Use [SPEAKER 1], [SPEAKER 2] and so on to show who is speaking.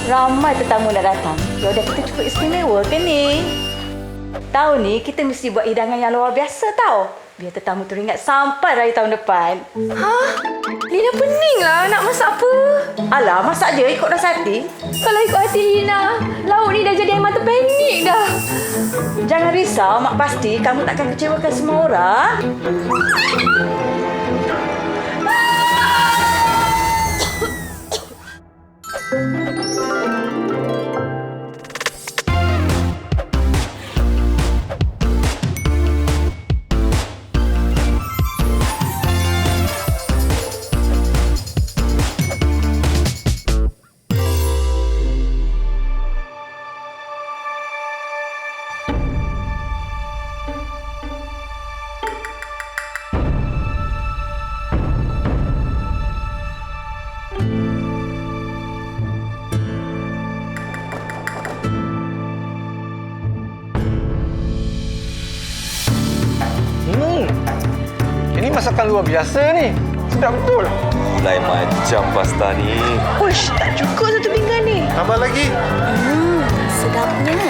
[SPEAKER 1] Ramai tetamu nak datang. Yaudah, kita cukup istimewa ke ni? Tahun ni kita mesti buat hidangan yang luar biasa tau. Biar tetamu teringat sampai raya tahun depan.
[SPEAKER 2] Hah? Lina peninglah nak masak apa?
[SPEAKER 1] Alah, masak je ikut rasa hati.
[SPEAKER 2] Kalau ikut hati Lina, lauk ni dah jadi air mata panik dah.
[SPEAKER 1] Jangan risau, Mak pasti kamu takkan kecewakan semua orang.
[SPEAKER 3] Ini masakan luar biasa ni. Sedap betul.
[SPEAKER 4] Lain macam pasta ni.
[SPEAKER 2] Uish, tak cukup satu pinggan ni.
[SPEAKER 3] Tambah lagi.
[SPEAKER 2] Sedapnya.